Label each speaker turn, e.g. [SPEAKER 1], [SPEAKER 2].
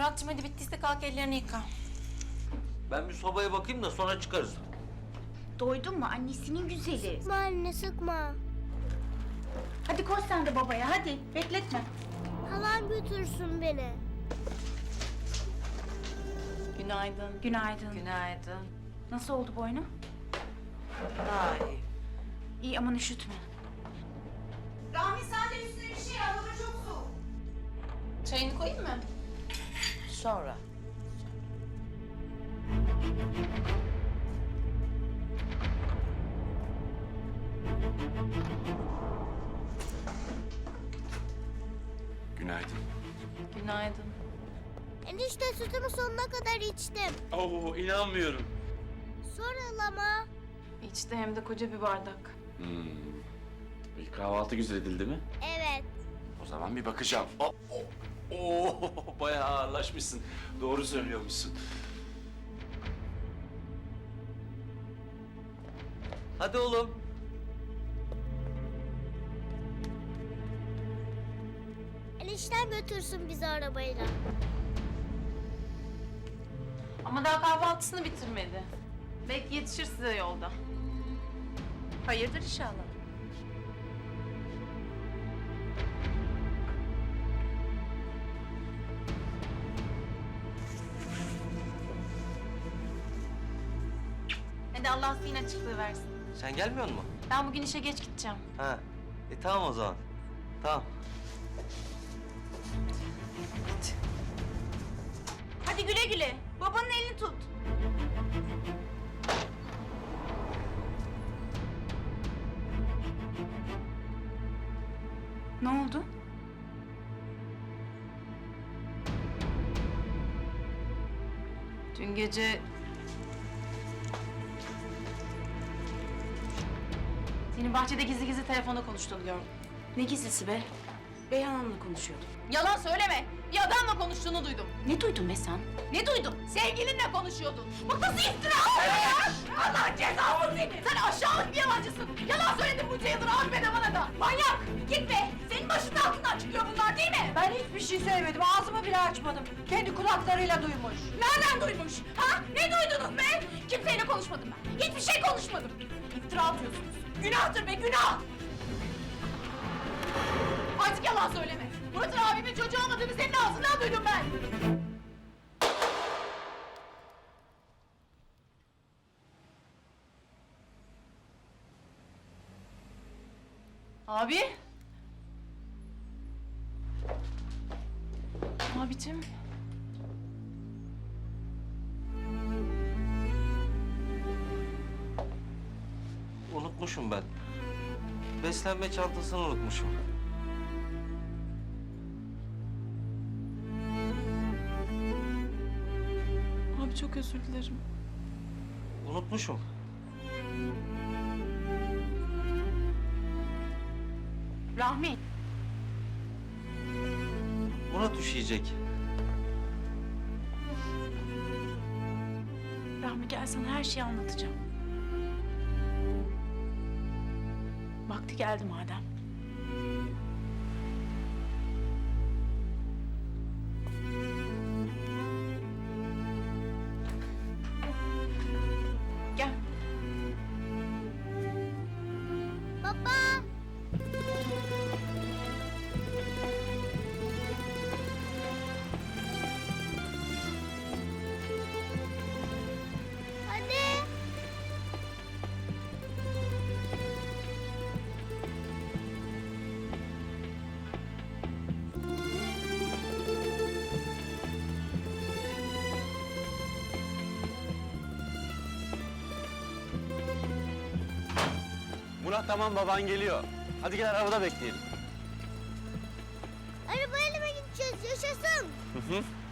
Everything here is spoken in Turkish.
[SPEAKER 1] Muratcığım hadi bittiyse kalk ellerini yıka.
[SPEAKER 2] Ben bir sobaya bakayım da sonra çıkarız.
[SPEAKER 3] Doydun mu annesinin güzeli?
[SPEAKER 4] Sıkma anne sıkma.
[SPEAKER 3] Hadi koş sen de babaya hadi bekletme.
[SPEAKER 4] Halam götürsün beni.
[SPEAKER 1] Günaydın.
[SPEAKER 3] Günaydın.
[SPEAKER 1] Günaydın.
[SPEAKER 3] Nasıl oldu boynu?
[SPEAKER 1] Daha iyi.
[SPEAKER 3] İyi aman üşütme.
[SPEAKER 1] Rahmi sen de üstüne bir şey al. Hava çok soğuk. Çayını koyayım mı? Sonra.
[SPEAKER 5] Günaydın.
[SPEAKER 1] Günaydın.
[SPEAKER 4] Enişte sütümü sonuna kadar içtim.
[SPEAKER 5] Oo, inanmıyorum.
[SPEAKER 4] Sonra halama.
[SPEAKER 1] İçti hem de koca bir bardak.
[SPEAKER 5] Bir kahvaltı güzel edildi mi?
[SPEAKER 4] Evet.
[SPEAKER 5] O zaman bir bakacağım. Bayağı ağırlaşmışsın. Doğru söylüyormuşsun.
[SPEAKER 2] Hadi oğlum.
[SPEAKER 4] Enişten götürsün bizi arabayla.
[SPEAKER 1] Ama daha kahvaltısını bitirmedi. Belki yetişir size yolda. Hayırdır inşallah. Hadi Allah zihin açıklığı versin.
[SPEAKER 2] Sen gelmiyor musun?
[SPEAKER 1] Ben bugün işe geç gideceğim.
[SPEAKER 2] Ha. Tamam o zaman. Tamam.
[SPEAKER 1] Hadi güle güle. Babanın elini tut.
[SPEAKER 3] Ne oldu?
[SPEAKER 1] Dün gece... Senin bahçede gizli gizli telefonda konuştuğunu gördüm.
[SPEAKER 3] Ne gizlisi be? Beyhan Hanım'la konuşuyordum.
[SPEAKER 1] Yalan söyleme. Bir adamla konuştuğunu duydum.
[SPEAKER 3] Ne duydun be sen?
[SPEAKER 1] Ne duydun? Sevgilinle konuşuyordun. Bu nasıl iftira ya? Allah cezanı seni. Sen aşağılık bir yalancısın. Yalan söyledin bunca yıldır abime de bana da. Manyak. Git be. Senin başının altından çıkıyor bunlar değil mi?
[SPEAKER 6] Ben hiçbir şey söylemedim. Ağzımı bile açmadım. Kendi kulaklarıyla duymuş.
[SPEAKER 1] Nereden duymuş? Ha? Ne duydunuz be? Kimseyle konuşmadım ben. Hiçbir şey konuşmadım. İftira atıyorsunuz. Günahtır be günah. Artık yalan söyleme. Murat'ın abimin çocuğu olmadığını senin ağzından duydum ben. Abi. Abicim.
[SPEAKER 2] Unutmuşum ben. Beslenme çantasını unutmuşum.
[SPEAKER 1] Abi çok özür dilerim.
[SPEAKER 2] Unutmuşum.
[SPEAKER 3] Rahmi.
[SPEAKER 2] Murat üşüyecek.
[SPEAKER 3] Rahmi gel sana her şeyi anlatacağım. Vakti geldi madem. Gel.
[SPEAKER 4] Baba. Hadi.
[SPEAKER 5] Murat tamam, baban geliyor. Hadi gel arabada bekleyelim.
[SPEAKER 4] Arabayla mı gideceğiz? Yaşasın.
[SPEAKER 5] Hı hı.